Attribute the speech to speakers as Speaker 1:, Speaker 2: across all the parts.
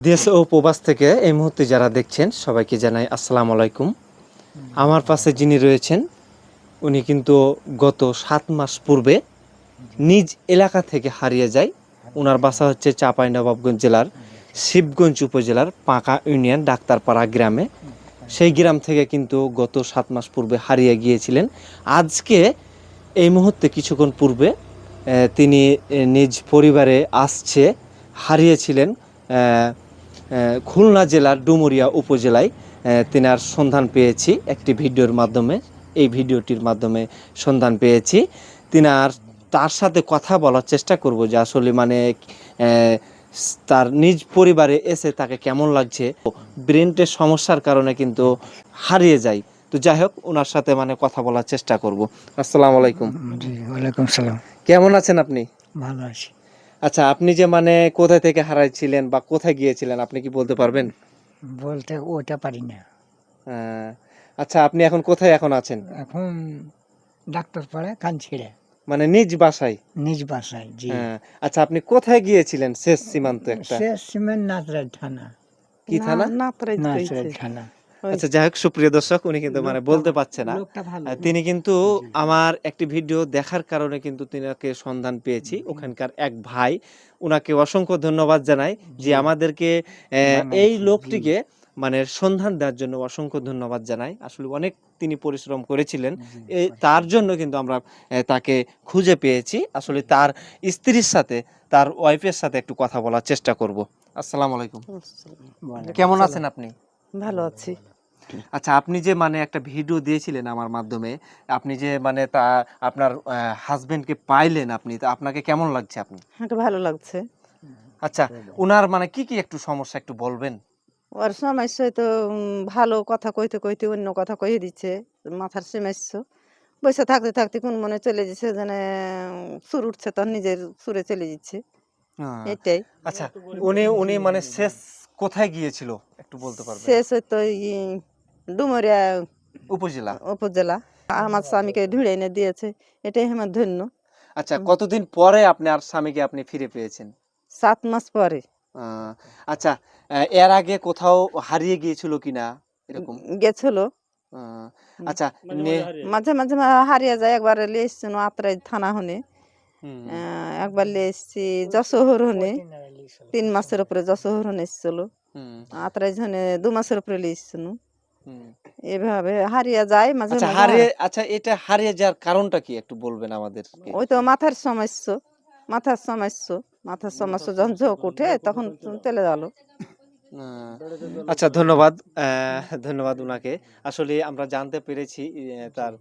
Speaker 1: দেশ ও প্রবাস থেকে এই মুহূর্তে যারা দেখছেন সবাইকে জানাই আসসালামু আলাইকুম। আমার পাশে যিনি রয়েছেন উনি কিন্তু গত 7 মাস পূর্বে নিজ এলাকা থেকে হারিয়ে যায়। ওনার বাসা হচ্ছে চাঁপাইনবাবগঞ্জ জেলার শিবগঞ্জ উপজেলার পাঁকা ইউনিয়ন ডাক্তারপাড়া গ্রামে। সেই গ্রাম থেকে কিন্তু গত 7 মাস পূর্বে হারিয়ে গিয়েছিলেন। আজকে এই মুহূর্তে কিছুক্ষণ পূর্বে তিনি নিজ পরিবারে আসছে। হারিয়েছিলেন খুলনা জেলার ডুমুরিয়া উপজেলায়। তেনার সন্ধান পেয়েছি একটি ভিডিওর মাধ্যমে। এই ভিডিওটির মাধ্যমে সন্ধান পেয়েছি। তার সাথে কথা বলার চেষ্টা করব যে আসলে মানে তার নিজ পরিবারে এসে তাকে কেমন লাগছে। ব্রেনের সমস্যার কারণে কিন্তু হারিয়ে যায়। তো যাই হোক, ওনার সাথে মানে কথা বলার চেষ্টা করব। আসসালামু আলাইকুম।
Speaker 2: জি, ওয়ালাইকুম সালাম।
Speaker 1: কেমন আছেন আপনি?
Speaker 2: ভালো আছি।
Speaker 1: আচ্ছা, আপনি যে মানে কোথায় থেকে হারাইছিলেন বা কোথায় গিয়েছিলেন আপনি কি বলতে পারবেন?
Speaker 2: বলতে ওটা পারি না।
Speaker 1: আহ, আচ্ছা, আপনি এখন কোথায় আছেন?
Speaker 2: এখন ডাক্তার পাড়া কাঞ্চিড়ে
Speaker 1: মানে নিজ বাসায়?
Speaker 2: নিজ বাসায়। জি।
Speaker 1: হ্যাঁ। আচ্ছা, আপনি কোথায় গিয়েছিলেন? শেষ সীমান্ত একটা
Speaker 2: সে সিমেন্ট নাচরাজ থানা।
Speaker 1: কি থানা?
Speaker 2: নাচরাজ থানা।
Speaker 1: আচ্ছা, যাই হোক, সুপ্রিয় দর্শক, উনি কিন্তু মানে বলতে পারছে না।
Speaker 2: লোকটা ভালো।
Speaker 1: তিনি কিন্তু আমার একটি ভিডিও দেখার কারণে কিন্তু তিনাকে সন্ধান পেয়েছি। ওখানকার এক ভাই, উনাকে অসংখ্য ধন্যবাদ জানাই যে আমাদেরকে এই লোকটিকে মানে সন্ধান দেওয়ার জন্য অসংখ্য ধন্যবাদ জানাই। আসলে অনেক তিনি পরিশ্রম করেছিলেন। তার জন্য কিন্তু আমরা তাকে খুঁজে পেয়েছি। আসলে তার স্ত্রীর সাথে, তার ওয়াইফের সাথে একটু কথা বলার চেষ্টা করব। আসসালামু আলাইকুম। কেমন আছেন আপনি?
Speaker 3: ভালো আছি।
Speaker 1: আচ্ছা, আপনি যে মানে একটা ভিডিও দিয়েছিলেন আমার মাধ্যমে, আপনি যে মানে আপনার হাজবেন্ডকে পাইলেন, আপনি তো আপনাকে কেমন লাগছে আপনি?
Speaker 3: আমাকে ভালো লাগছে।
Speaker 1: আচ্ছা, উনার মানে কি কি একটু সমস্যা একটু বলবেন?
Speaker 3: ওর সমস্যা তো ভালো কথা কইতে কইতে অন্য কথা কইয়ে দিচ্ছে। মাথার সমস্যা। বসে থাকতে থাকতে কোন মনে চলে যাচ্ছে যেন সুর উঠছে তার নিজের সুরে চলে যাচ্ছে।
Speaker 1: আহ,
Speaker 3: এটাই।
Speaker 1: আচ্ছা, উনি উনি মানে শেষ কোথায় গিয়েছিল একটু বলতে পারবেন?
Speaker 3: শেষ তো ডুমুরিয়া
Speaker 1: উপজেলা।
Speaker 3: উপজেলা। আমার স্বামীকে ঢুড়ে এনে দিয়েছে। এটাই আমার ধন্য।
Speaker 1: আচ্ছা, কতদিন পরে আপনার স্বামীকে আপনি ফিরে পেয়েছেন?
Speaker 3: 7 মাস পরে
Speaker 1: আহ, আচ্ছা, এর আগে কোথাও হারিয়ে গিয়েছিল কিনা এরকম?
Speaker 3: গেছিল।
Speaker 1: আহ, আচ্ছা, নে-
Speaker 3: মাঝে মাঝে হারিয়ে যায়। একবার এসছিল আত্রাই থানা হনে।
Speaker 1: হুম,
Speaker 3: একবার এসছি যশোহর হনে। 3 মাসের উপরে যশোহর হনে এসছিল।
Speaker 1: হুম,
Speaker 3: আত্রাই হনে 2 মাসের উপরে এসছিল।
Speaker 1: হুম।
Speaker 3: এভাবে হারিয়ে যায় মাঝে
Speaker 1: আচ্ছা,
Speaker 3: মাঝে।
Speaker 1: আচ্ছা, এটা হারিয়ে যাওয়ার কারণটা কি একটু বলবেন আমাদেরকে?
Speaker 3: ওই তো মাথার সমস্যা। মাথার সমস্যা। মাথার সমস্যা যখন ঝোঁক উঠে তখন চলে গেল।
Speaker 1: আহ, আচ্ছা, ধন্যবাদ। ধন্যবাদ উনাকে। আসলে আমরা জানতে পেরেছি তার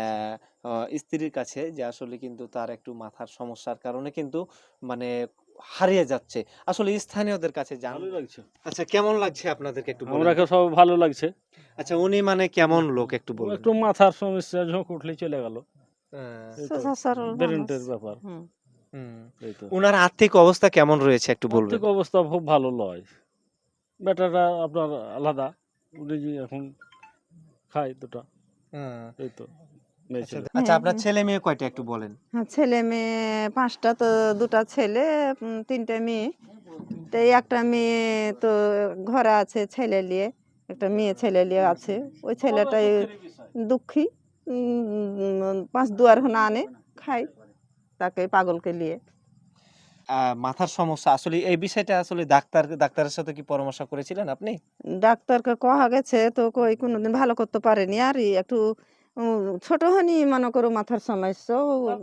Speaker 1: স্ত্রীর কাছে যে আসলে কিন্তু তার একটু মাথার সমস্যার কারণে কিন্তু মানে হারিয়ে যাচ্ছে। আসলে স্থানীয়দের কাছে
Speaker 4: ভালোই লাগছে।
Speaker 1: আচ্ছা, কেমন লাগছে আপনাদেরকে একটু বলেন
Speaker 4: আমরাকে
Speaker 1: তো?
Speaker 4: সব ভালো লাগছে।
Speaker 1: আচ্ছা, উনি মানে কেমন লোক একটু
Speaker 4: ও
Speaker 1: বলবেন?
Speaker 4: একটু মাথার সমস্যা, ঝোঁক উঠলেই চলে গেল।
Speaker 1: আহ,
Speaker 4: এই তো
Speaker 3: সোজা সরল মানুষ।
Speaker 4: ব্রেনের ব্যাপার।
Speaker 3: হুম।
Speaker 1: হুম।
Speaker 4: এই তো
Speaker 1: উনার আর্থিক অবস্থা কেমন রয়েছে একটু বলবেন?
Speaker 4: আর্থিক অবস্থা খুব ভালো লয়। বেটাটা আপনার আলাদা, উনি যে এখন খায় দুটা।
Speaker 1: হুম।
Speaker 4: এই তো মেয়ে
Speaker 1: আচ্ছা,
Speaker 4: ছেলে।
Speaker 1: আচ্ছা,
Speaker 3: হ্যাঁ,
Speaker 1: আপনার
Speaker 3: হ্যাঁ।
Speaker 1: ছেলে মেয়ে কয়টা একটু বলেন?
Speaker 3: হ্যাঁ, ছেলে মেয়ে 5টা তো 2টা ছেলে 3টে মেয়ে। তো এই একটা মেয়ে তো ঘরে আছে ছেলে নিয়ে। একটা মেয়ে ছেলে নিয়ে আছে। ওই ছেলেটাই দুঃখী। 5 দুয়ার না আনে খায় তাকে পাগলকে নিয়ে।
Speaker 1: মাথার সমস্যা আসলে এই বিষয়টা আসলে ডাক্তারের সাথে কি পরামর্শ করেছিলেন আপনি?
Speaker 3: ডাক্তারকে কহা গেছে তো কই কোনোদিন ভালো করতে পারেনি। আর একটু ছোট হনি মনে করো মাথার সমস্যা।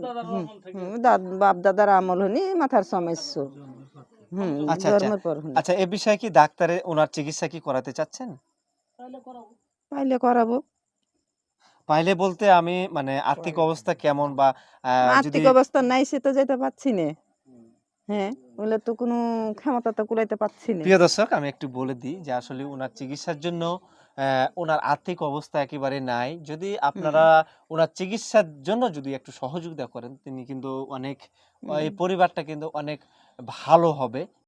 Speaker 3: বাপ দাদার আমল হনি মাথার সমস্যা।
Speaker 1: আচ্ছা, আচ্ছা,
Speaker 3: জন্মের পর হনি।
Speaker 1: আচ্ছা, এ বিষয়ে কি ডাক্তারে ওনার চিকিৎসা কি করাতে চাচ্ছেন?
Speaker 3: পাইলে করাবো।
Speaker 1: পাইলে বলতে আমি মানে আর্থিক অবস্থা কেমন বা যদি
Speaker 3: আর্থিক অবস্থা নাই সে তো যেতে পারছি না। হ্যাঁ, বলে তো কোনো ক্ষমতা তো কুলাইতে পারছি না।
Speaker 1: প্রিয় দর্শক, আমি একটু বলে দিই যে আসলে ওনার চিকিৎসার জন্য ওনার আর্থিক অবস্থা একেবারে নাই। যদি
Speaker 3: হুম,
Speaker 1: আপনারা ওনার চিকিৎসার জন্য যদি একটু সহযোগিতা করেন, তিনি কিন্তু অনেক
Speaker 3: হুম।
Speaker 1: এই পরিবারটা কিন্তু অনেক ভালো হবে।